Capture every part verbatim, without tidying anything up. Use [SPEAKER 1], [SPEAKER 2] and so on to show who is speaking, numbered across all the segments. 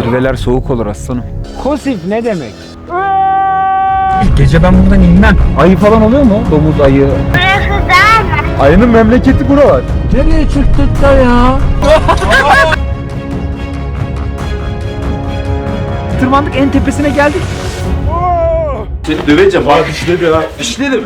[SPEAKER 1] Zirveler soğuk olur aslanım. Kosif ne demek?
[SPEAKER 2] Gece ben buradan inmem.
[SPEAKER 1] Ayı falan oluyor mu? Domuz, ayı.
[SPEAKER 3] Burası dağ mı?
[SPEAKER 2] Ayının memleketi buralar. Nereye çıktık da ya?
[SPEAKER 1] Tırmandık, en tepesine geldik.
[SPEAKER 2] Seni döveceğim. Bana dişledi ha. Dişledim.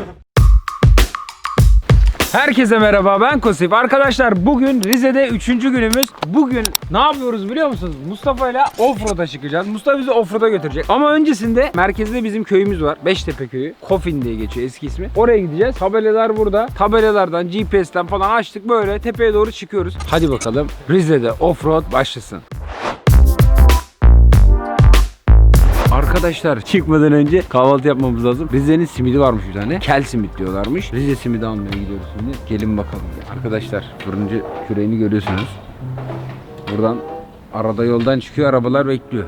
[SPEAKER 1] Herkese merhaba, ben Kosif. Arkadaşlar bugün Rize'de üçüncü günümüz. Bugün ne yapıyoruz biliyor musunuz? Mustafa ile offroad'a çıkacağız. Mustafa bizi offroad'a götürecek. Ama öncesinde merkezde bizim köyümüz var. Beştepe köyü. Kofin diye geçiyor eski ismi. Oraya gideceğiz. Tabelalar burada. Tabelalardan, G P S'ten falan açtık, böyle tepeye doğru çıkıyoruz. Hadi bakalım Rize'de offroad başlasın. Arkadaşlar çıkmadan önce kahvaltı yapmamız lazım. Rize'nin simidi varmış bir tane. Kel simit diyorlarmış. Rize simidi almaya gidiyoruz şimdi. Gelin bakalım. Arkadaşlar fırıncı küreğini görüyorsunuz. Buradan arada yoldan çıkıyor, arabalar bekliyor.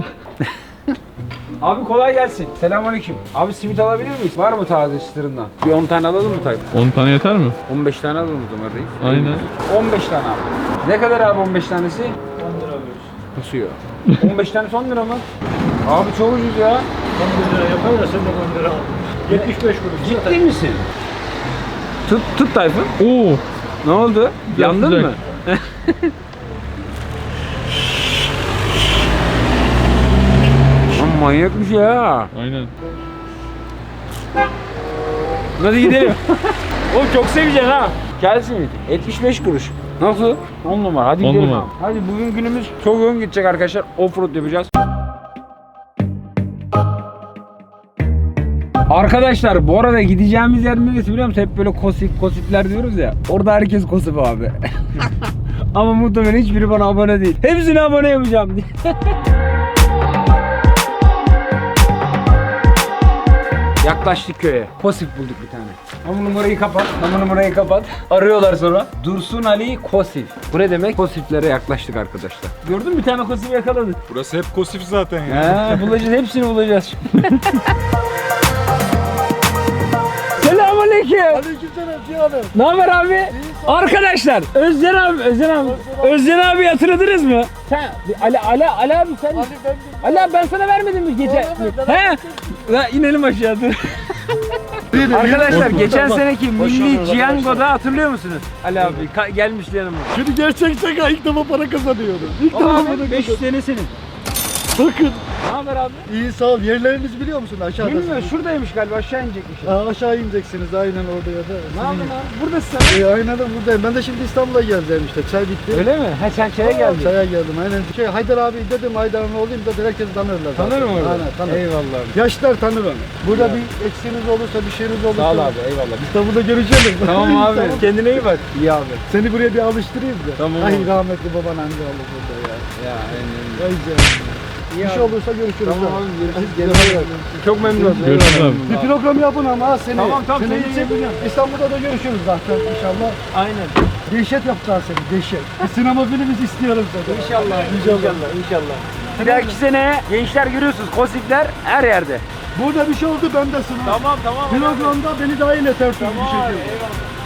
[SPEAKER 1] Abi kolay gelsin. Selamünaleyküm. Abi simit alabilir miyiz? Var mı taze çıtırından? Bir on tane alalım mı Tayyip?
[SPEAKER 4] on tane yeter mi?
[SPEAKER 1] on beş tane alalım o zaman reis.
[SPEAKER 4] Aynen.
[SPEAKER 1] on beş tane abi. Ne kadar abi on beş tanesi? on lira veriyoruz. Nasıl ya? on beş tanesi on lira mı? Abi çok ucuz ya.
[SPEAKER 5] on lira yapar da sen de on lira al. yetmiş beş kuruş.
[SPEAKER 1] Ciddi misin? Tut, tut Tayfun.
[SPEAKER 4] Oo.
[SPEAKER 1] Ne oldu? Yandın
[SPEAKER 4] sıcak.
[SPEAKER 1] mı? Lan manyakmış ya.
[SPEAKER 4] Aynen.
[SPEAKER 1] Hadi gidelim. Oğlum çok seveceksin ha. Gelsin. yetmiş beş kuruş. Nasıl? on numara. Hadi
[SPEAKER 4] On
[SPEAKER 1] gidelim.
[SPEAKER 4] numara.
[SPEAKER 1] Abi. Hadi bugün günümüz çok yoğun gidecek arkadaşlar. Offroad yapacağız. Arkadaşlar bu arada gideceğimiz yer neresi biliyor musun? Hep böyle kosif kosifler diyoruz ya. Orada herkes kosif abi. Ama muhtemelen hiçbiri bana abone değil. Hepsine abone yapacağım diye. Yaklaştık köye. Kosif bulduk bir tane. Ama numarayı kapat. Ama numarayı kapat. Arıyorlar sonra. Dursun Ali Kosif. Bu ne demek? Kosiflere yaklaştık arkadaşlar. Gördün mü, bir tane kosif yakaladık.
[SPEAKER 2] Burası hep kosif zaten ya.
[SPEAKER 1] He, bulacağız, hepsini bulacağız. Selamünaleyküm.
[SPEAKER 5] Aleykümselam Cihan'ım.
[SPEAKER 1] Ne haber abi? Arkadaşlar, Özcan abi, Özcan abi. Özcan abi hatırladınız mı? Sen Ali Ali Ali abi sen.
[SPEAKER 5] Ali ben
[SPEAKER 1] Ali abi ben sana vermedim mi gece? He? Ya inelim aşağı dur. Arkadaşlar geçen seneki Milli Ciango'da hatırlıyor musunuz? Ali abi ka- gelmişti yanıma.
[SPEAKER 5] Şimdi gerçek şaka, ilk defa para kazanıyorum. İlk defa para
[SPEAKER 1] Abi
[SPEAKER 5] kazanıyorum.
[SPEAKER 1] beş yüz sene senin.
[SPEAKER 5] Bakın.
[SPEAKER 1] Ne haber abi?
[SPEAKER 5] İyi sağ ol. Yerlerinizi biliyor musun aşağıda?
[SPEAKER 1] Bilmiyorum, şuradaymış galiba, aşağı inecekmiş.
[SPEAKER 5] Aa, aşağı ineceksiniz aynen orada ya da.
[SPEAKER 1] Ne yaptın abi? Buradasın sen.
[SPEAKER 5] E, aynen de buradayım. Ben de şimdi İstanbul'a geldim işte. Çay bitti.
[SPEAKER 1] Öyle mi? Ha sen çaya geldin.
[SPEAKER 5] Çaya geldim aynen. Şey Haydar abi dedim, Haydar'ın oğluyum da herkes tanırlar. zaten.
[SPEAKER 1] Tanır mı orada?
[SPEAKER 5] Aynen tanır.
[SPEAKER 1] Eyvallah abi.
[SPEAKER 5] Yaşlar tanır onu. Burada bir eksiğiniz olursa, bir şeyiniz olursa.
[SPEAKER 1] Sağ ol abi, eyvallah.
[SPEAKER 5] İstanbul'da görüşelim.
[SPEAKER 1] Tamam abi. Kendine iyi bak. İyi abi.
[SPEAKER 5] Seni buraya bir alıştırayım da.
[SPEAKER 1] Tamam
[SPEAKER 5] Ay
[SPEAKER 1] abi.
[SPEAKER 5] rahmetli baban amca oldu burada ya.
[SPEAKER 1] Ya aynen.
[SPEAKER 5] Ay canım. Bir şey olursa görüşürüz.
[SPEAKER 1] Tamam
[SPEAKER 5] ha.
[SPEAKER 1] abi, görüşürüz.
[SPEAKER 5] Hadi kendine bak.
[SPEAKER 1] Çok memnun oldum.
[SPEAKER 4] Görüşürüz
[SPEAKER 1] Eyvallah.
[SPEAKER 4] abi.
[SPEAKER 5] Bir program yapın ama ha seni.
[SPEAKER 1] Tamam, tamam,
[SPEAKER 5] Seni
[SPEAKER 1] seni yapacağım.
[SPEAKER 5] İstanbul'da da görüşürüz zaten inşallah.
[SPEAKER 1] Aynen.
[SPEAKER 5] Dehşet yapacağız seni, dehşet. Bir sinema filmi istiyorum seni.
[SPEAKER 1] İnşallah. İnşallah. İnşallah. Bir dahaki sene gençler görüyorsunuz, kosifler her yerde.
[SPEAKER 5] Burada bir şey oldu, ben de sınav.
[SPEAKER 1] Tamam tamam.
[SPEAKER 5] Programda beni dahil et her türlü bir
[SPEAKER 1] Tamam abi,
[SPEAKER 5] şekilde.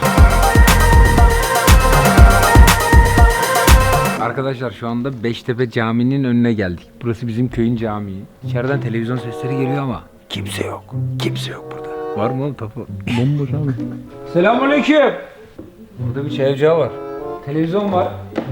[SPEAKER 1] Arkadaşlar şu anda Beştepe Camii'nin önüne geldik. Burası bizim köyün camii. İçeriden televizyon sesleri geliyor ama kimse yok. Kimse yok burada. Var mı oğlum tapu?
[SPEAKER 4] Bomboş abi.
[SPEAKER 1] Selamünaleyküm. Burada bir çay ocağı var. Televizyon var.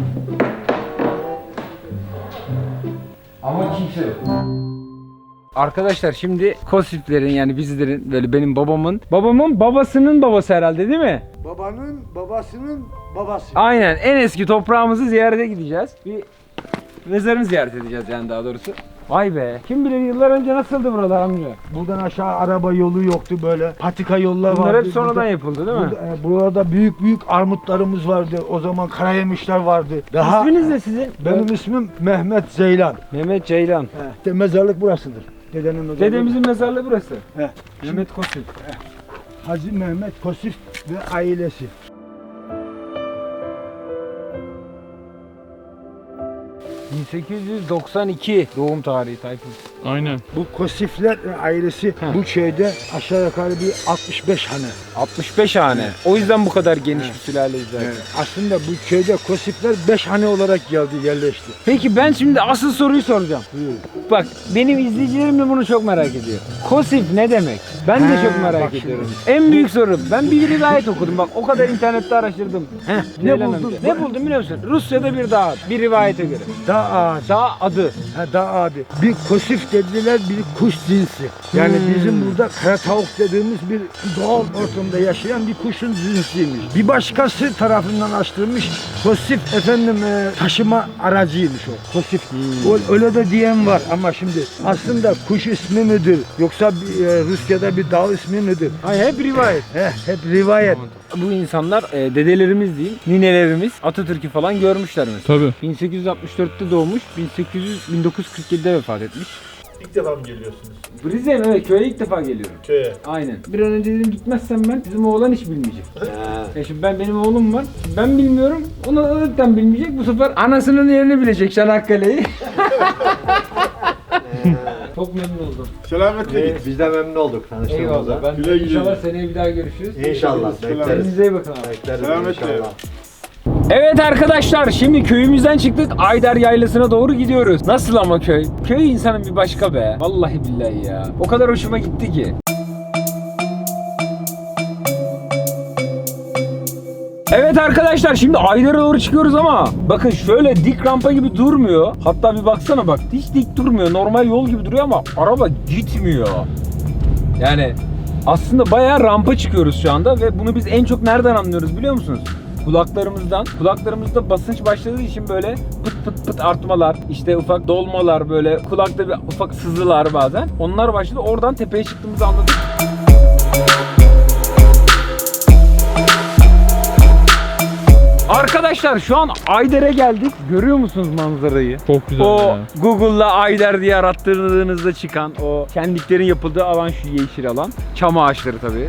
[SPEAKER 1] Ama kimse yok. Arkadaşlar şimdi Kosiflerin, yani bizlerin, böyle benim babamın babamın babasının babası herhalde, değil mi?
[SPEAKER 5] Babanın babasının babası.
[SPEAKER 1] Aynen, en eski toprağımızı ziyarete gideceğiz. Bir mezarını ziyaret edeceğiz yani, daha doğrusu. Vay be, kim bilir yıllar önce nasıldı buralar amca?
[SPEAKER 5] Buradan aşağı araba yolu yoktu böyle. Patika yollar vardı.
[SPEAKER 1] Bunlar hep sonradan
[SPEAKER 5] Burada-
[SPEAKER 1] yapıldı değil mi?
[SPEAKER 5] Burada, e, burada büyük büyük armutlarımız vardı. O zaman karayemişler vardı. Daha
[SPEAKER 1] İsminiz ne sizin?
[SPEAKER 5] benim ismim Mehmet Zeylan.
[SPEAKER 1] Mehmet Ceylan.
[SPEAKER 5] He, de mezarlık burasıdır. Dedenin mezarlığı.
[SPEAKER 1] Dedemizin mezarlığı burası.
[SPEAKER 5] He.
[SPEAKER 1] Mehmet Kosif.
[SPEAKER 5] Hacı Mehmet Kosif ve ailesi.
[SPEAKER 1] bin sekiz yüz doksan iki doğum tarihi Tayfun.
[SPEAKER 4] Aynen.
[SPEAKER 5] Bu Kosifler ailesi bu köyde aşağı yukarı bir altmış beş hane.
[SPEAKER 1] altmış beş hane. O yüzden bu kadar geniş bir sülaleyiz zaten.
[SPEAKER 5] Evet. Aslında bu köyde Kosifler beş hane olarak geldi, yerleşti.
[SPEAKER 1] Peki ben şimdi asıl soruyu soracağım.
[SPEAKER 5] Buyur.
[SPEAKER 1] Bak benim izleyicilerim de bunu çok merak ediyor. Kosif ne demek? Ben de
[SPEAKER 5] Ha,
[SPEAKER 1] çok merak
[SPEAKER 5] bak
[SPEAKER 1] ediyorum.
[SPEAKER 5] şimdi.
[SPEAKER 1] En büyük soru. Ben bir rivayet okudum. Bak o kadar internette araştırdım.
[SPEAKER 5] Heh, ne
[SPEAKER 1] Ceylan
[SPEAKER 5] buldun?
[SPEAKER 1] amca. Ne buldum biliyor musun? Rusya'da bir dağ. Bir rivayete göre.
[SPEAKER 5] Dağ ağacı.
[SPEAKER 1] Dağ adı.
[SPEAKER 5] Ha, dağ abi. Bir Kosif dediler, bir kuş cinsi. Yani
[SPEAKER 1] Hmm.
[SPEAKER 5] bizim burada kara tavuk dediğimiz bir doğal ortamda yaşayan bir kuşun cinsiymiş. Bir başkası tarafından açtırılmış Kosif efendim e, taşıma aracıymış o. Kosif. O, öyle de diyen var ama şimdi aslında kuş ismi midir yoksa bir, e, Rusya'da bir dağ ismi midir?
[SPEAKER 1] Ay hep rivayet.
[SPEAKER 5] Heh, hep rivayet.
[SPEAKER 1] Bu insanlar e, dedelerimiz diyeyim, ninelerimiz Atatürk'ü falan görmüşler mesela.
[SPEAKER 4] Tabii.
[SPEAKER 1] bin sekiz yüz altmış dörtte doğmuş, bin sekiz yüz bin dokuz yüz kırk yedide vefat etmiş.
[SPEAKER 2] İlk defa mı geliyorsunuz
[SPEAKER 1] Rize'ye mi? Evet, köye ilk defa geliyorum.
[SPEAKER 2] köye?
[SPEAKER 1] Aynen. Bir an önce dedim gitmezsem ben bizim oğlan hiç bilmeyecek. Ya şimdi ben benim oğlum var. Ben bilmiyorum. Onu da zaten bilmeyecek. Bu sefer anasının yerini bilecek Çanakkale'yi. Çok memnun oldum.
[SPEAKER 2] Selametle git.
[SPEAKER 6] Biz de memnun olduk tanıştığımıza.
[SPEAKER 1] Eyvallah. Ben
[SPEAKER 2] Güle güle.
[SPEAKER 1] inşallah seneye bir daha görüşürüz.
[SPEAKER 6] İnşallah
[SPEAKER 2] Selam.
[SPEAKER 6] bekleriz.
[SPEAKER 1] Kendinize iyi bakın abi.
[SPEAKER 6] Bekleriz
[SPEAKER 2] Selametle.
[SPEAKER 6] inşallah.
[SPEAKER 1] Evet arkadaşlar, şimdi köyümüzden çıktık, Ayder Yaylası'na doğru gidiyoruz. Nasıl ama köy? Köy insanın bir başka be. Vallahi billahi ya. O kadar hoşuma gitti ki. Evet arkadaşlar, şimdi Ayder'e doğru çıkıyoruz ama bakın şöyle dik rampa gibi durmuyor. Hatta bir baksana bak, hiç dik durmuyor. Normal yol gibi duruyor ama araba gitmiyor. Yani aslında bayağı rampa çıkıyoruz şu anda ve bunu biz en çok nereden anlıyoruz biliyor musunuz? Kulaklarımızdan. Kulaklarımızda basınç başladığı için böyle pıt pıt pıt artmalar, işte ufak dolmalar, böyle kulakta bir ufak sızılar bazen. Onlar başladı. Oradan tepeye çıktığımızı anladık. Arkadaşlar şu an Ayder'e geldik. Görüyor musunuz manzarayı?
[SPEAKER 4] Çok güzel
[SPEAKER 1] O
[SPEAKER 4] ya.
[SPEAKER 1] Google'la Ayder diye arattırdığınızda çıkan o şenliklerin yapıldığı alan, şu yeşil alan. Çam ağaçları tabii.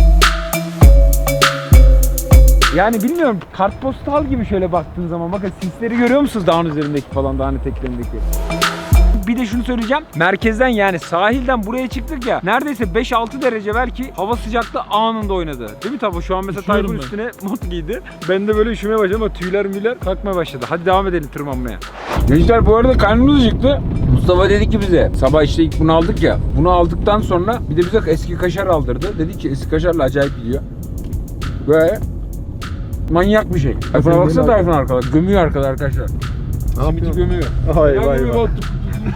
[SPEAKER 1] Yani bilmiyorum, kartpostal gibi şöyle baktığın zaman bakın sisleri görüyor musunuz dağın üzerindeki falan, dağın eteklerindeki. Bir de şunu söyleyeceğim. Merkezden yani sahilden buraya çıktık ya. Neredeyse beş altı derece belki hava sıcaklığı anında oynadı. Değil mi Tabo? Şu an mesela
[SPEAKER 4] Üşüyorum
[SPEAKER 1] Tayfun
[SPEAKER 4] ben.
[SPEAKER 1] üstüne mont giydi. Ben de böyle üşümeye başladım ama tüyler müyler kalkmaya başladı. Hadi devam edelim tırmanmaya. Gençler bu arada karnımız acıktı. Mustafa dedi ki bize, sabah işte ilk bunu aldık ya. Bunu aldıktan sonra bir de bize eski kaşar aldırdı. Dedi ki eski kaşarla acayip gidiyor. Ve manyak bir şey. Tayfun'a baksana, Tayfun arkada. Gömüyor arkada arkadaşlar. Simiti gömüyor.
[SPEAKER 2] Vay
[SPEAKER 1] Ya
[SPEAKER 2] vay
[SPEAKER 1] gibi
[SPEAKER 2] vay.
[SPEAKER 1] baktım.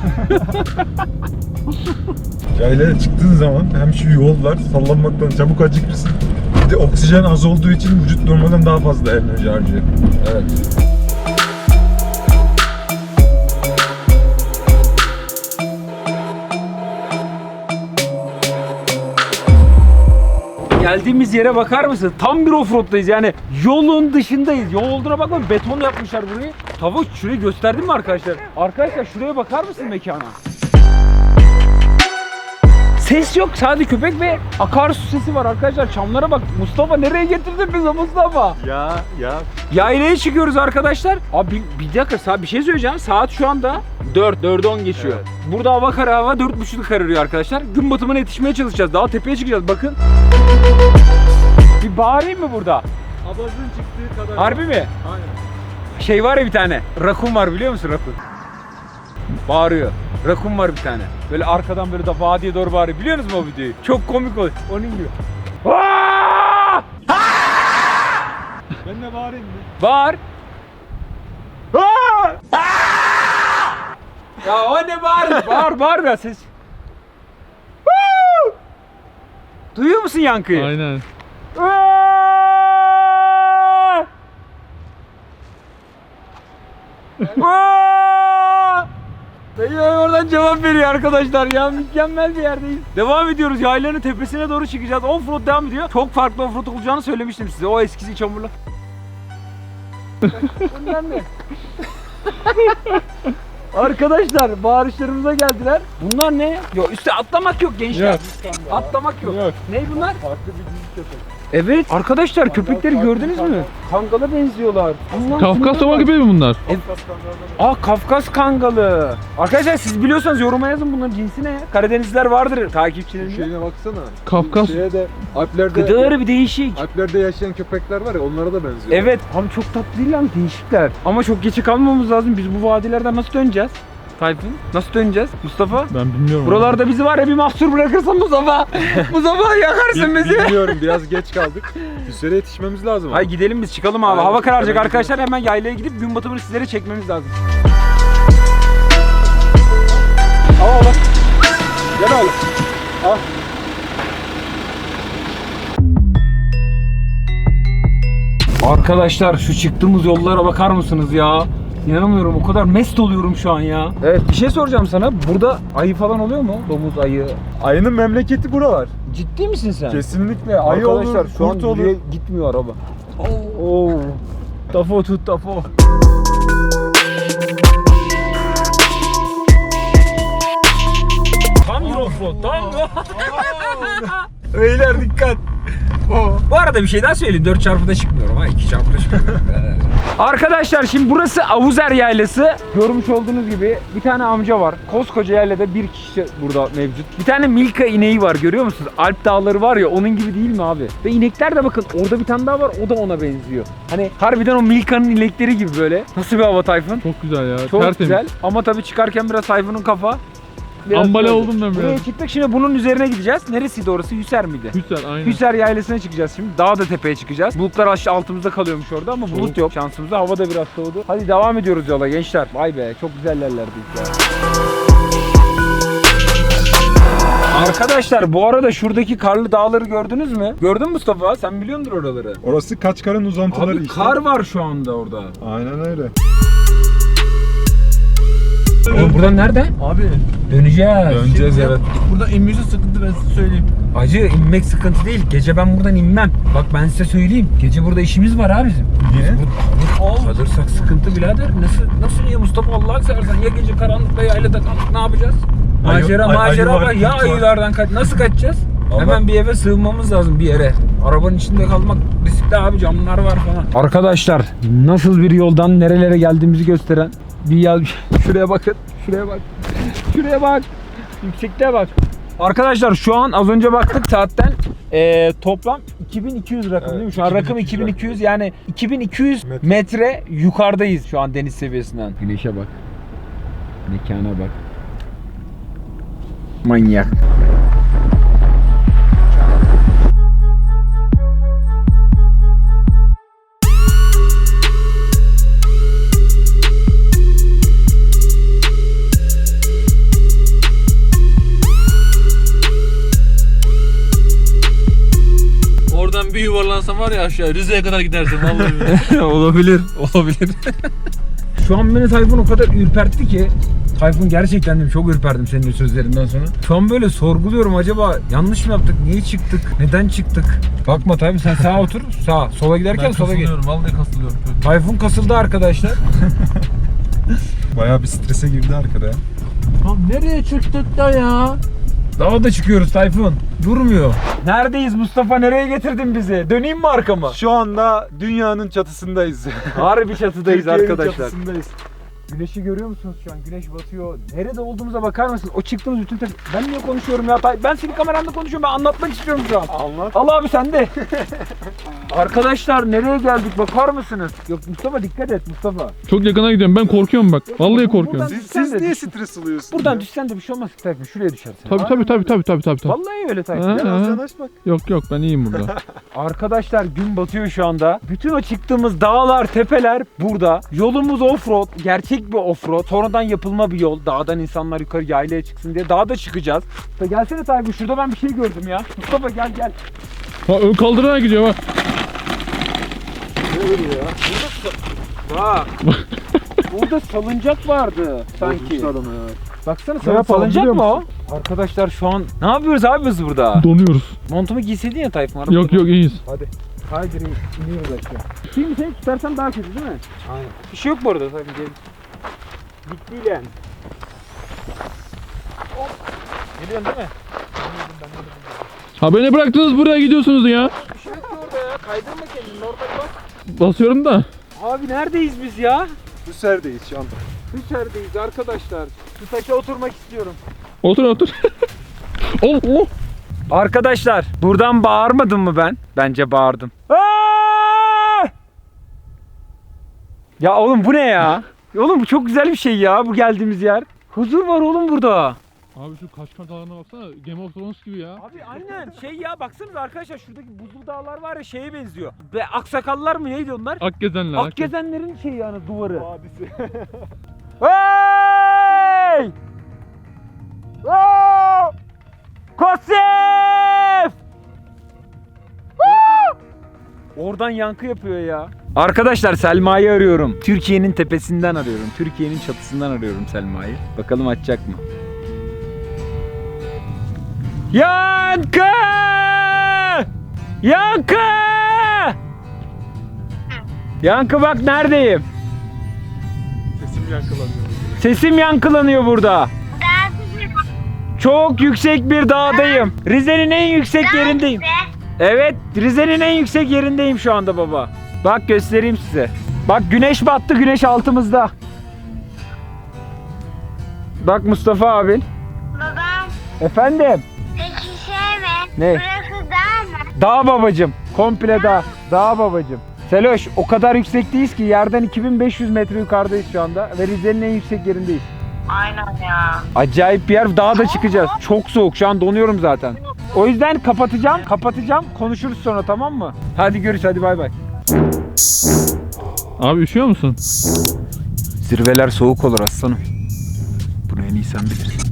[SPEAKER 7] Yaylaya çıktığın zaman hem şu yollar sallanmaktan çabuk acıkırsın. Bir de oksijen az olduğu için vücut normalden daha fazla enerji harcıyor.
[SPEAKER 1] Evet. Geldiğimiz yere bakar mısın? Tam bir offroad'dayız yani. Yolun dışındayız. Yol olduğuna bakma, beton yapmışlar burayı. Tavuk şurayı gösterdim mi arkadaşlar? Arkadaşlar şuraya bakar mısın mekana? Ses yok, sadece köpek ve akarsu sesi var arkadaşlar. Çamlara bak. Mustafa nereye getirdin bizi Mustafa?
[SPEAKER 2] Ya ya.
[SPEAKER 1] Yaylaya çıkıyoruz arkadaşlar. Abi bir, bir dakika, saat bir şey söyleyeceğim. Saat şu anda dört, dörde on geçiyor.
[SPEAKER 2] Evet.
[SPEAKER 1] Burada hava kara, hava dört buçukta kararıyor arkadaşlar. Gün batımına yetişmeye çalışacağız. Daha tepeye çıkacağız bakın. Bir bağırayım mı burada?
[SPEAKER 2] Abazın çıktığı kadar.
[SPEAKER 1] Harbi mi?
[SPEAKER 2] Aynen.
[SPEAKER 1] Şey var ya bir tane. Rakun var, biliyor musun rakun? Bağırıyor. Rakun var bir tane. Böyle arkadan böyle da vadiye doğru bağırıyor. Biliyor musunuz mu o videoyu? Çok komik oluyor. Onun gibi. Aa!
[SPEAKER 2] Ben de bağırayım mı?
[SPEAKER 1] Bağır. Aa! Ya o ne bağır? Bağır bağır ya ses. Duyuyor musun yankıyı?
[SPEAKER 4] Aynen.
[SPEAKER 1] Aa! Aa! Dayı oradan cevap veriyor arkadaşlar ya, mükemmel bir yerdeyiz. Devam ediyoruz, yaylanın tepesine doğru çıkacağız. Offroad devam ediyor. Çok farklı offroad olacağını söylemiştim size. O eskisi çamurlu. Bunlar ne? Arkadaşlar bağırışlarımıza geldiler. Bunlar ne? Yok, üstte atlamak yok gençler.
[SPEAKER 4] Yok.
[SPEAKER 1] Atlamak yok.
[SPEAKER 4] Yok.
[SPEAKER 1] Ne bunlar?
[SPEAKER 2] Farklı bir dizi köpek.
[SPEAKER 1] Evet arkadaşlar köpekleri gördünüz mü? Kangala benziyorlar. Allah'ım,
[SPEAKER 4] Kafkas
[SPEAKER 1] bunlar
[SPEAKER 4] ova
[SPEAKER 1] var.
[SPEAKER 4] gibi mi bunlar?
[SPEAKER 1] Aa Kafkas kangalı. Arkadaşlar siz biliyorsanız yoruma yazın bunların cinsi ne? Karadenizliler vardır takipçilerinde.
[SPEAKER 7] Şeyine baksana.
[SPEAKER 4] Kafkas.
[SPEAKER 7] Şeye de Alplerde,
[SPEAKER 1] Gıdaları bir değişik.
[SPEAKER 7] Alplerde yaşayan köpekler var ya onlara da benziyor.
[SPEAKER 1] Evet abi çok tatlı değil lan değişikler. Ama çok geçe kalmamız lazım. Biz bu vadilerden nasıl döneceğiz? Tayfun nasıl döneceğiz? Mustafa?
[SPEAKER 4] Ben bilmiyorum.
[SPEAKER 1] Buralarda bizi var ya bir mahsur bırakırsan Mustafa. Mustafa yakarsın
[SPEAKER 7] Bil-
[SPEAKER 1] bizi.
[SPEAKER 7] Bilmiyorum biraz geç kaldık. Bir süre yetişmemiz lazım.
[SPEAKER 1] Hayır gidelim biz çıkalım abi.
[SPEAKER 7] Aynen,
[SPEAKER 1] Hava kararacak
[SPEAKER 7] hemen
[SPEAKER 1] arkadaşlar. Hemen yaylaya gidip gün batımını sizlere çekmemiz lazım. Al oğlum. Gel oğlum. Al. Arkadaşlar şu çıktığımız yollara bakar mısınız ya? İnanamıyorum o kadar mest oluyorum şu an ya. Evet bir şey soracağım sana. Burada ayı falan oluyor mu? Domuz, ayı.
[SPEAKER 7] Ayının memleketi buralar.
[SPEAKER 1] Ciddi misin sen?
[SPEAKER 7] Kesinlikle ayı
[SPEAKER 1] Arkadaşlar
[SPEAKER 7] olur,
[SPEAKER 1] şu an
[SPEAKER 7] kurt olur.
[SPEAKER 1] yürüye gitmiyor araba. Oo. Tafo tut tafo. Tam bir offroad, tam bir. Beyler dikkat. Bu arada bir şey daha söyleyeyim. dört çarpıda çıkmıyorum ha. iki çarpıda çıkmıyorum. Arkadaşlar şimdi burası Avuzer Yaylası. Görmüş olduğunuz gibi bir tane amca var. Koskoca yaylada bir kişi burada mevcut. Bir tane Milka ineği var görüyor musunuz? Alp dağları var ya onun gibi değil mi abi? Ve inekler de bakın orada bir tane daha var o da ona benziyor. Hani harbiden o Milka'nın inekleri gibi böyle. Nasıl bir hava Tayfun?
[SPEAKER 4] Çok güzel ya.
[SPEAKER 1] Çok
[SPEAKER 4] Tertemiz.
[SPEAKER 1] güzel ama tabii çıkarken biraz Tayfun'un kafa. biraz
[SPEAKER 4] Ambale
[SPEAKER 1] böyle.
[SPEAKER 4] oldum ben
[SPEAKER 1] Buraya
[SPEAKER 4] biraz.
[SPEAKER 1] çıktık şimdi bunun üzerine gideceğiz. Neresiydi orası? Hüser miydi?
[SPEAKER 4] Güzel aynen.
[SPEAKER 1] Hüser Yaylası'na çıkacağız şimdi. Daha da tepeye çıkacağız. Bulutlar aşağı altımızda kalıyormuş orada ama bulut yok şansımıza. Hava da biraz soğudu. Hadi devam ediyoruz yola gençler. Vay be çok güzel yerlerdeyiz ya. Arkadaşlar bu arada şuradaki karlı dağları gördünüz mü? Gördün mü Mustafa? Sen biliyordur oraları.
[SPEAKER 7] Orası Kaçkar'ın uzantıları
[SPEAKER 1] Abi
[SPEAKER 7] işte.
[SPEAKER 1] kar var şu anda orada.
[SPEAKER 7] Aynen öyle.
[SPEAKER 1] Oğlum buradan nereden?
[SPEAKER 6] Abi
[SPEAKER 1] Döneceğiz.
[SPEAKER 7] Döneceğiz evet.
[SPEAKER 6] burada inmesi sıkıntı ben size söyleyeyim.
[SPEAKER 1] Acı inmek sıkıntı değil. Gece ben buradan inmem. Bak ben size söyleyeyim. Gece burada işimiz var abi bizim.
[SPEAKER 7] Niye?
[SPEAKER 1] Kalır, kalırsak sıkıntı birader. Nasıl nasıl niye Mustafa Allah'ını seversen ya gece karanlıkta yaylada kaldık ne yapacağız?
[SPEAKER 7] Ayı-
[SPEAKER 1] Macera
[SPEAKER 7] ay-
[SPEAKER 1] macera
[SPEAKER 7] ayı var,
[SPEAKER 1] var. Ya
[SPEAKER 7] kurt var.
[SPEAKER 1] ayılardan kaç. Nasıl kaçacağız?
[SPEAKER 7] Allah-
[SPEAKER 1] Hemen bir eve sığınmamız lazım bir yere. Arabanın içinde kalmak riskli abi camlar var falan. Arkadaşlar nasıl bir yoldan nerelere geldiğimizi gösteren bir yol. Şuraya bakın. Şuraya bak. Şuraya bak. Yüksekliğe bak. Arkadaşlar şu an az önce baktık saatten eee, toplam iki bin iki yüz rakım
[SPEAKER 7] Evet,
[SPEAKER 1] değil mi? Şu an rakım
[SPEAKER 7] iki bin iki yüz
[SPEAKER 1] iki bin iki yüz yani iki bin iki yüz
[SPEAKER 7] Metre.
[SPEAKER 1] metre yukarıdayız şu an deniz seviyesinden. Güneşe bak. Mekana bak. Manyak.
[SPEAKER 6] Oradan bir yuvarlansam var ya aşağı Rize'ye kadar gidersin vallahi.
[SPEAKER 1] olabilir, olabilir. Şu an beni Tayfun o kadar ürpertti ki Tayfun gerçekten de çok ürperdim senin sözlerinden sonra. Şu an böyle sorguluyorum acaba yanlış mı yaptık, niye çıktık, neden çıktık? Bakma Tayfun sen sağa otur, sağa, sola giderken
[SPEAKER 6] Ben
[SPEAKER 1] sola git.
[SPEAKER 6] kasılıyorum vallahi kasılıyorum.
[SPEAKER 1] Tayfun kasıldı arkadaşlar.
[SPEAKER 7] Bayağı bir strese girdi arkada ya.
[SPEAKER 6] Lan nereye çıktık da ya?
[SPEAKER 1] Daha da çıkıyoruz Tayfun. Durmuyor. Neredeyiz Mustafa? Nereye getirdin bizi? Döneyim mi arkama?
[SPEAKER 7] Şu anda dünyanın çatısındayız.
[SPEAKER 1] Harbi çatıdayız
[SPEAKER 7] Türkiye'nin
[SPEAKER 1] arkadaşlar.
[SPEAKER 7] çatısındayız.
[SPEAKER 1] Güneşi görüyor musunuz şu an? Güneş batıyor. Nerede olduğumuza bakar mısınız? O çıktığımız bütün te- Ben niye konuşuyorum ya? Tay- Ben senin kameranda konuşuyorum. Ben anlatmak istiyorum şu an.
[SPEAKER 7] Anlat.
[SPEAKER 1] Al abi sen de. Arkadaşlar nereye geldik bakar mısınız? Yok Mustafa dikkat et Mustafa.
[SPEAKER 4] Çok yakına gidiyorum. Ben korkuyorum bak. Vallahi korkuyorum.
[SPEAKER 1] Buradan
[SPEAKER 7] Siz,
[SPEAKER 1] düşsen
[SPEAKER 7] siz
[SPEAKER 1] de
[SPEAKER 7] niye
[SPEAKER 1] düş-
[SPEAKER 7] stres alıyorsunuz?
[SPEAKER 1] Buradan
[SPEAKER 7] ya?
[SPEAKER 1] düşsen de bir şey olmaz Tayfun. Şuraya düşersin.
[SPEAKER 4] Tabii tabii tabii tabii tabii tabii. tabii.
[SPEAKER 1] Vallahi öyle Tayfun.
[SPEAKER 4] Ha.
[SPEAKER 7] Biraz yanaş bak.
[SPEAKER 4] Yok yok ben iyiyim burada.
[SPEAKER 1] Arkadaşlar gün batıyor şu anda. Bütün o çıktığımız dağlar, tepeler burada. Yolumuz offroad. Gerçek bir offroad. Sonradan yapılma bir yol. Dağdan insanlar yukarı yaylaya çıksın diye. Dağda çıkacağız. Da gelsene Tayfun şurada ben bir şey gördüm ya. Mustafa gel gel.
[SPEAKER 4] Ha ön kaldırarak gidiyor bak.
[SPEAKER 1] Bak. Burada salıncak vardı sanki.
[SPEAKER 7] Adamı ya.
[SPEAKER 1] Baksana
[SPEAKER 7] Ne
[SPEAKER 1] sana
[SPEAKER 7] yapalım
[SPEAKER 1] salıncak
[SPEAKER 7] biliyor
[SPEAKER 1] mı o? Arkadaşlar şu an ne yapıyoruz abi biz burada?
[SPEAKER 4] Donuyoruz.
[SPEAKER 1] Montumu giyseydin ya Tayfun. arabada.
[SPEAKER 4] Yok yok iyiyiz.
[SPEAKER 1] Hadi. Haydi iniyoruz aşağı. Şimdi seni tutarsan daha kötü değil mi? Aynen. Bir şey yok bu arada tabii ki. Bitti yani. Hop. Geliyorsun değil mi?
[SPEAKER 4] Ha beni bıraktınız buraya gidiyorsunuz ya.
[SPEAKER 1] Bir şey yok ki orada. Kaydırma kendini normal bak.
[SPEAKER 4] Basıyorum da.
[SPEAKER 1] Abi neredeyiz biz ya?
[SPEAKER 7] Hüser'deyiz şu anda.
[SPEAKER 1] Hüser'deyiz arkadaşlar. Şu taşa oturmak istiyorum.
[SPEAKER 4] Otur otur. Oh, oh.
[SPEAKER 1] Arkadaşlar buradan bağırmadım mı ben? Bence bağırdım. Aa! Ya oğlum bu ne ya? Oğlum bu çok güzel bir şey ya bu geldiğimiz yer. Huzur var oğlum burada.
[SPEAKER 4] Abi şu Kaşkar Dağları'na baksana. Game of Thrones gibi ya.
[SPEAKER 1] Abi aynen şey ya baksanıza arkadaşlar şuradaki buzlu dağlar var ya şeye benziyor. Ve aksakallar mı neydi onlar?
[SPEAKER 4] Akgezenler. Akgezen.
[SPEAKER 1] Akgezenlerin şeyi yani duvarı. Hey! Oh! Kosif! Woo! Oradan yankı yapıyor ya. Arkadaşlar Selma'yı arıyorum. Türkiye'nin tepesinden arıyorum. Türkiye'nin çatısından arıyorum Selma'yı. Bakalım açacak mı? Yankı! Yankı! Yankı bak neredeyim?
[SPEAKER 7] Sesim yankılanıyor.
[SPEAKER 1] Sesim yankılanıyor burada. Çok yüksek bir dağdayım. Rize'nin en yüksek yerindeyim. Evet, Rize'nin en yüksek yerindeyim şu anda baba. Bak göstereyim size. Bak güneş battı, güneş altımızda. Bak Mustafa abin.
[SPEAKER 3] Babam,
[SPEAKER 1] Efendim?
[SPEAKER 3] peki şey mi?
[SPEAKER 1] Ne?
[SPEAKER 3] Burası dağ mı?
[SPEAKER 1] Dağ babacım. Komple dağ. Dağ babacım. Seloş o kadar yüksekteyiz ki yerden iki bin beş yüz metre yukarıdayız şu anda. Ve Rize'nin en yüksek yerindeyiz.
[SPEAKER 3] Aynen ya.
[SPEAKER 1] Acayip bir yer. Dağa da çıkacağız. Çok soğuk. Şu an donuyorum zaten. O yüzden kapatacağım. Kapatacağım. Konuşuruz sonra tamam mı? Hadi görüş. Hadi bay bay.
[SPEAKER 4] Abi üşüyor musun?
[SPEAKER 1] Zirveler soğuk olur aslanım. Bunu en iyi sen bilirsin.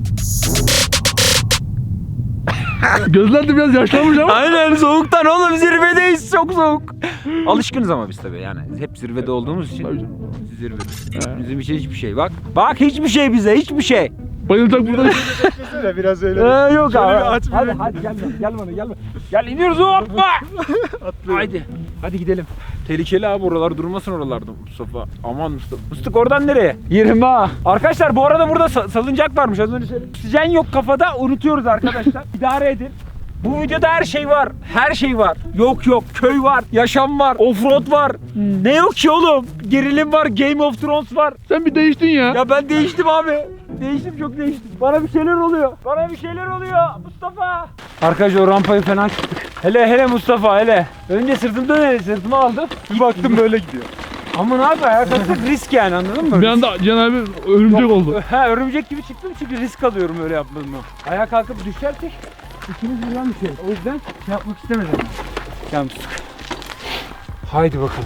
[SPEAKER 4] Gözler de biraz yaşlanmış ama.
[SPEAKER 1] Aynen soğuktan oğlum zirvedeyiz. Çok soğuk. Alışkınız ama biz tabii yani. Hep zirvede olduğumuz için. Zirvede. Bizim için hiçbir şey. Bak. Bak hiçbir şey bize. Hiçbir şey.
[SPEAKER 4] Bayılacak burada.
[SPEAKER 7] Beklesene biraz öyle.
[SPEAKER 1] Ee, yok
[SPEAKER 7] Şöyle
[SPEAKER 1] abi.
[SPEAKER 7] bir aç bir
[SPEAKER 1] Hadi
[SPEAKER 7] renk.
[SPEAKER 1] hadi gel bana, gel bana gel bana. Gel iniyoruz hoppa. Haydi. Hadi gidelim. Tehlikeli abi oralar durmasın oralarda Mustafa. Aman Mustafa. Mustafa oradan nereye? yirmi ha. Arkadaşlar bu arada burada sa- salıncak varmış az önce söyledim. Oksijen yok kafada unutuyoruz arkadaşlar. İdare edin. Bu videoda her şey var. Her şey var. Yok yok köy var. Yaşam var. Offroad var. Ne yok ki oğlum? Gerilim var. Game of Thrones var.
[SPEAKER 4] Sen bir değiştin ya.
[SPEAKER 1] Ya ben değiştim abi. Değiştim çok değiştim. Bana bir şeyler oluyor. Bana bir şeyler oluyor Mustafa. Arkadaşlar o rampayı fena çıktık. Hele hele Mustafa hele. Önce sırtımda ne? Sırtıma aldı.
[SPEAKER 7] Bir baktım böyle gidiyor.
[SPEAKER 1] Ama ne yapayım ayak atsak risk yani anladın mı?
[SPEAKER 4] Bir anda Can abi örümcek oldu.
[SPEAKER 1] Ha örümcek gibi çıktım çünkü risk alıyorum öyle yapmadığımı. Ayağa kalkıp düşersek ikimiz birden düşeriz. O yüzden şey yapmak istemedim. Gel Mustafa. Haydi bakalım.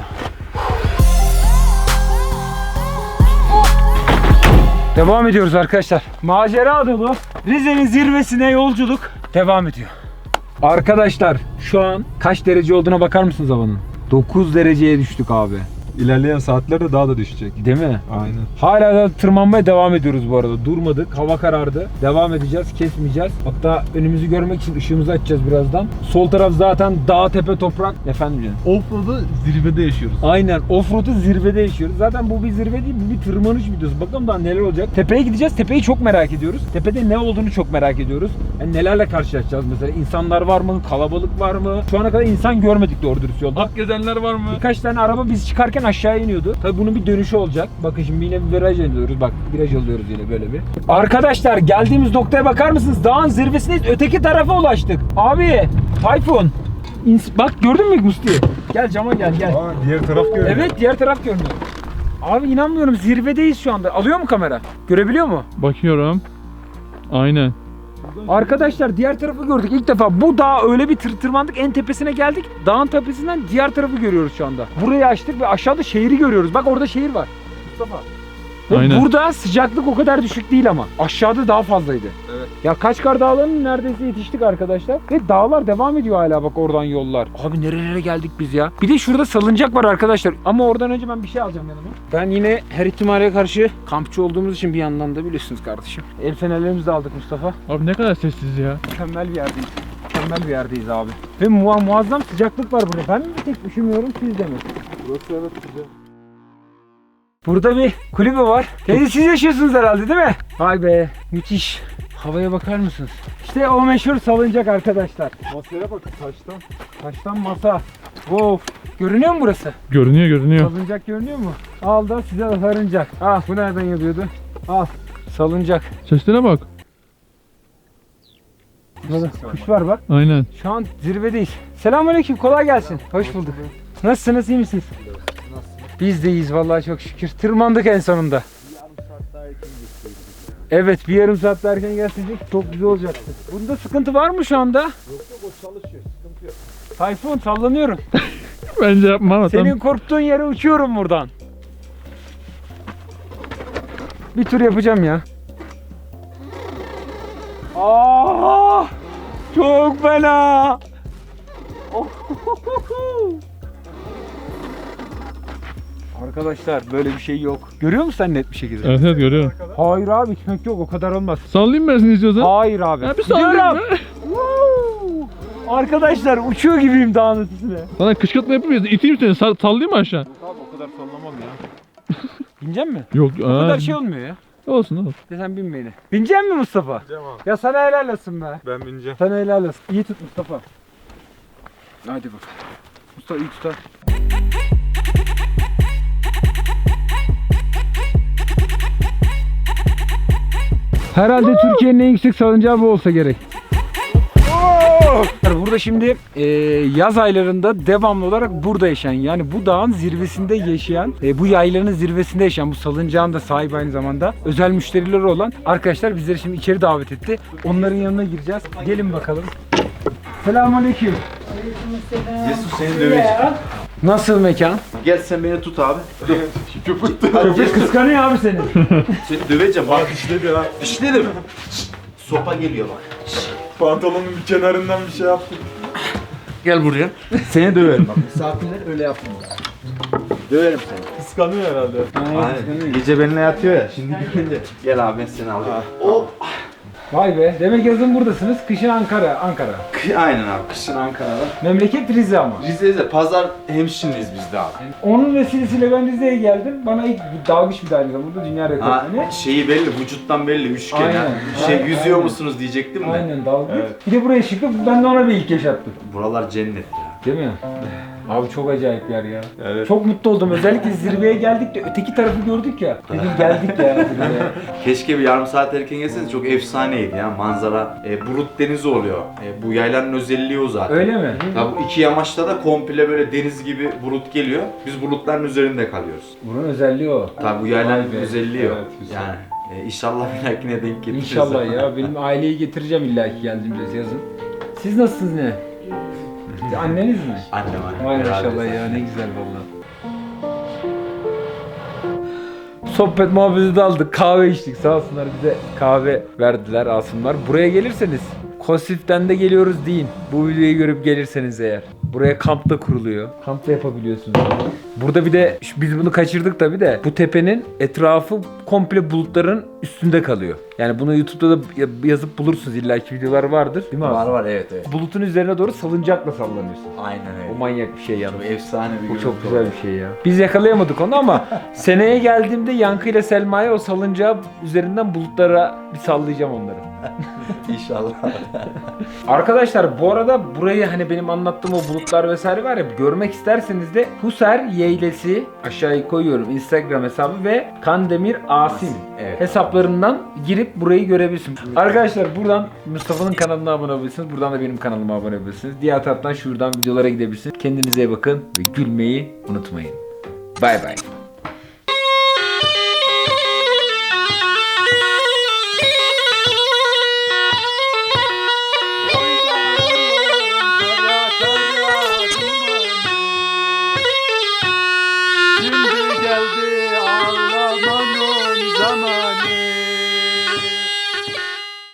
[SPEAKER 1] Devam ediyoruz arkadaşlar. Macera dolu Rize'nin zirvesine yolculuk devam ediyor. Arkadaşlar şu an kaç derece olduğuna bakar mısınız havanın? dokuz dereceye düştük abi.
[SPEAKER 7] İlerleyen saatlerde daha da düşecek.
[SPEAKER 1] Değil mi?
[SPEAKER 7] Aynen.
[SPEAKER 1] Hala da tırmanmaya devam ediyoruz bu arada. Durmadık. Hava karardı. Devam edeceğiz. Kesmeyeceğiz. Hatta önümüzü görmek için ışığımızı açacağız birazdan. Sol taraf zaten dağ, tepe, toprak. Efendim canım.
[SPEAKER 6] Offroad'u zirvede yaşıyoruz.
[SPEAKER 1] Aynen. Offroad'u zirvede yaşıyoruz. Zaten bu bir zirve değil, bu bir tırmanış videosu. Bakalım daha neler olacak. Tepeye gideceğiz. Tepeyi çok merak ediyoruz. Tepede ne olduğunu çok merak ediyoruz. Yani nelerle karşılaşacağız mesela. İnsanlar var mı? Kalabalık var mı? Şu ana kadar insan görmedik doğru dürüst yolda.
[SPEAKER 6] Akgezenler var mı?
[SPEAKER 1] Birkaç tane araba biz çıkarken aşağı iniyordu. Tabii bunun bir dönüşü olacak. Bakın şimdi yine bir viraj alıyoruz. Bak viraj alıyoruz yine böyle bir. Arkadaşlar geldiğimiz noktaya bakar mısınız? Dağın zirvesindeyiz. Öteki tarafa ulaştık. Abi Tayfun. İns- Bak gördün mü Musti? Gel cama gel gel.
[SPEAKER 7] Aa, diğer taraf görünüyor.
[SPEAKER 1] Evet diğer taraf görünüyor. Abi inanmıyorum zirvedeyiz şu anda. Alıyor mu kamera? Görebiliyor mu?
[SPEAKER 4] Bakıyorum. Aynen.
[SPEAKER 1] Arkadaşlar diğer tarafı gördük ilk defa. Bu dağa öyle bir tır tırmandık en tepesine geldik. Dağın tepesinden diğer tarafı görüyoruz şu anda. Burayı açtık ve aşağıda şehri görüyoruz. Bak orada şehir var. Mustafa. Ve
[SPEAKER 4] Aynen.
[SPEAKER 1] burada sıcaklık o kadar düşük değil ama. Aşağıda daha fazlaydı.
[SPEAKER 7] Evet.
[SPEAKER 1] Ya Kaçkar Dağları'nın neredeyse yetiştik arkadaşlar. Ve dağlar devam ediyor hala bak oradan yollar. Abi nerelere geldik biz ya. Bir de şurada salıncak var arkadaşlar. Ama oradan önce ben bir şey alacağım yanıma. Ben yine her ihtimale karşı kampçı olduğumuz için bir yandan da biliyorsunuz kardeşim. El fenerlerimizi de aldık Mustafa.
[SPEAKER 4] Abi ne kadar sessiz ya.
[SPEAKER 1] Mükemmel bir yerdeyiz. Mükemmel bir yerdeyiz abi. Ve muha muazzam sıcaklık var burada. Ben mi bir tek üşümüyorum siz de mi?
[SPEAKER 7] Burası evet güzel.
[SPEAKER 1] Burada bir kulübe var. Teyze siz yaşıyorsunuz herhalde değil mi? Vay be müthiş. Havaya bakar mısınız? İşte o meşhur salıncak arkadaşlar.
[SPEAKER 7] Masaya bak taştan.
[SPEAKER 1] Taştan masa. Wow. Görünüyor mu burası?
[SPEAKER 4] Görünüyor görünüyor.
[SPEAKER 1] Salıncak görünüyor mu? Al da size de salıncak. Ah bu nereden yazıyordu? Al. Salıncak.
[SPEAKER 4] Seslere bak.
[SPEAKER 1] Burada kuş var bak.
[SPEAKER 4] Aynen.
[SPEAKER 1] Şu an zirvedeyiz. Selamünaleyküm. Kolay gelsin. Hoş bulduk. Nasılsınız? İyi misiniz? Biz de iyiyiz vallahi çok şükür. Tırmandık en sonunda. Evet, bir yarım saat daha erken gelseydik çok güzel olacaktı. Bunda sıkıntı var mı şu anda? Yok yok, o çalışıyor. Sıkıntı yok. Tayfun sallanıyorum.
[SPEAKER 4] Bence yapma ama
[SPEAKER 1] Senin
[SPEAKER 4] tamam.
[SPEAKER 1] korktuğun yere uçuyorum buradan. Bir tur yapacağım ya. Aa! Çok fena. Arkadaşlar böyle bir şey yok. Görüyor musun sen net bir şekilde?
[SPEAKER 4] Evet evet görüyorum.
[SPEAKER 1] Hayır abi gitmek yok, o kadar olmaz.
[SPEAKER 4] Sallayayım ben seni istiyorsan.
[SPEAKER 1] Hayır abi.
[SPEAKER 4] Ya bir sallayayım
[SPEAKER 1] Gidiyorum.
[SPEAKER 4] ben.
[SPEAKER 1] Woo! Arkadaşlar uçuyor gibiyim dağın üstüne.
[SPEAKER 4] Sana kışkırtma yapayım ya. İteyim seni. Sal sallayayım mı aşağı?
[SPEAKER 7] Abi o kadar sallamam ya.
[SPEAKER 1] Binecek mi?
[SPEAKER 4] Yok.
[SPEAKER 1] O kadar şey olmuyor ya.
[SPEAKER 4] Olsun olsun.
[SPEAKER 1] De sen bin beni. Binecek mi Mustafa?
[SPEAKER 7] Bineceğim abi.
[SPEAKER 1] Ya sana helal olsun be.
[SPEAKER 7] Ben bineceğim.
[SPEAKER 1] Sana helal olsun. İyi tut Mustafa. Hadi bak. Mustafa iyi tut ha. Herhalde Türkiye'nin en yüksek salıncağı bu olsa gerek. Burada şimdi e, yaz aylarında devamlı olarak burada yaşayan, yani bu dağın zirvesinde yaşayan, e, bu yaylanın zirvesinde yaşayan, bu salıncağın da sahibi aynı zamanda özel müşterileri olan arkadaşlar bizleri şimdi içeri davet etti. Onların yanına gireceğiz. Gelin bakalım. Selamünaleyküm.
[SPEAKER 2] Yesus seni döveceğim.
[SPEAKER 1] Nasıl mekan?
[SPEAKER 2] Gel sen beni tut abi. Köpük
[SPEAKER 1] Köpek kıskanıyor abi seni.
[SPEAKER 2] Seni döveceğim bak.
[SPEAKER 7] İşledi ya.
[SPEAKER 2] Dişledim. Sopa geliyor bak.
[SPEAKER 7] Pantolonun bir kenarından bir şey yaptım.
[SPEAKER 2] Gel buraya. Seni döverim bak. Misafirler öyle yapmıyor. Döverim seni.
[SPEAKER 7] Kıskanıyor herhalde.
[SPEAKER 2] Aynen. Gece benimle yatıyor ya. Şimdi gidince gel abi ben seni alayım. Hop.
[SPEAKER 1] Vay be. Demek yazın buradasınız. Kışın Ankara. Ankara.
[SPEAKER 2] Aynen abi. Kışın Ankara'da.
[SPEAKER 1] Memleket Rize ama.
[SPEAKER 2] Rize'de pazar hemşinliyiz biz de abi.
[SPEAKER 1] Onun vesilesiyle ben Rize'ye geldim. Bana ilk dalgıç bir daire burada dünya rekoru.
[SPEAKER 2] Ha,
[SPEAKER 1] Ne?
[SPEAKER 2] şeyi belli, vücuttan belli, üçgen
[SPEAKER 1] Aynen.
[SPEAKER 2] ha. Şey
[SPEAKER 1] Aynen.
[SPEAKER 2] yüzüyor musunuz diyecektim de.
[SPEAKER 1] Aynen dalgıç.
[SPEAKER 2] Evet.
[SPEAKER 1] Bir de buraya çıkıp ben de ona bir ilk yaşattım.
[SPEAKER 2] Buralar cennet ya.
[SPEAKER 1] Değil mi? Abi çok acayip yer ya.
[SPEAKER 7] Evet.
[SPEAKER 1] Çok mutlu oldum. Özellikle zirveye geldik de öteki tarafı gördük ya. Dedim geldik ya. zirveye.
[SPEAKER 2] Keşke bir yarım saat erken gelseniz, çok efsaneydi ya manzara. E, Burut denizi oluyor. E, bu yaylanın özelliği o zaten.
[SPEAKER 1] Öyle mi?
[SPEAKER 2] Ya bu iki yamaçta da komple böyle deniz gibi bulut geliyor. Biz bulutların üzerinde kalıyoruz.
[SPEAKER 1] Bunun özelliği o.
[SPEAKER 2] Tabi bu yaylanın
[SPEAKER 1] Vay be.
[SPEAKER 2] özelliği o.
[SPEAKER 7] Evet, güzel.
[SPEAKER 2] Yani e, inşallah bir dahakine denk getiririz.
[SPEAKER 1] İnşallah ya. Benim aileyi getireceğim illa ki geldiğimde yazın. Siz nasılsınız ne? Anneniz mi?
[SPEAKER 2] Annem annem.
[SPEAKER 1] Vay
[SPEAKER 2] beraber
[SPEAKER 1] maşallah ya,
[SPEAKER 2] zaten.
[SPEAKER 1] ne güzel valla. Sohbet muhabbeti de aldık. Kahve içtik. Sağ olsunlar bize kahve verdiler, alsınlar. Buraya gelirseniz Kosif'ten de geliyoruz deyin. Bu videoyu görüp gelirseniz eğer. Buraya kamp da kuruluyor. Kamp da yapabiliyorsunuz. Burada bir de şu- biz bunu kaçırdık tabi de, bu tepenin etrafı komple bulutların üstünde kalıyor. Yani bunu YouTube'da da ya- yazıp bulursunuz, illaki videolar vardır. Değil mi abi?
[SPEAKER 2] Var var evet evet.
[SPEAKER 1] Bulutun üzerine doğru salıncakla sallanıyorsun.
[SPEAKER 2] Aynen
[SPEAKER 1] O
[SPEAKER 2] öyle.
[SPEAKER 1] manyak bir şey yalnız.
[SPEAKER 2] Bu efsane bir
[SPEAKER 1] Bu
[SPEAKER 2] görüntü
[SPEAKER 1] çok güzel
[SPEAKER 2] oldu.
[SPEAKER 1] bir şey ya. Biz yakalayamadık onu ama seneye geldiğimde Yankı ile Selma'ya o salıncağı üzerinden bulutlara bir sallayacağım onları.
[SPEAKER 2] İnşallah.
[SPEAKER 1] Arkadaşlar bu arada burayı, hani benim anlattığım o bulutlar vesaire var ya, görmek isterseniz de Huser Yeylesi aşağıya koyuyorum Instagram hesabı ve Kandemir Asim
[SPEAKER 2] Evet.
[SPEAKER 1] hesaplarından girip burayı görebilirsiniz. Arkadaşlar buradan Mustafa'nın kanalına abone olabilirsiniz. Buradan da benim kanalıma abone olabilirsiniz. Diğer taraftan şuradan videolara gidebilirsiniz. Kendinize iyi bakın ve gülmeyi unutmayın. Bay bay.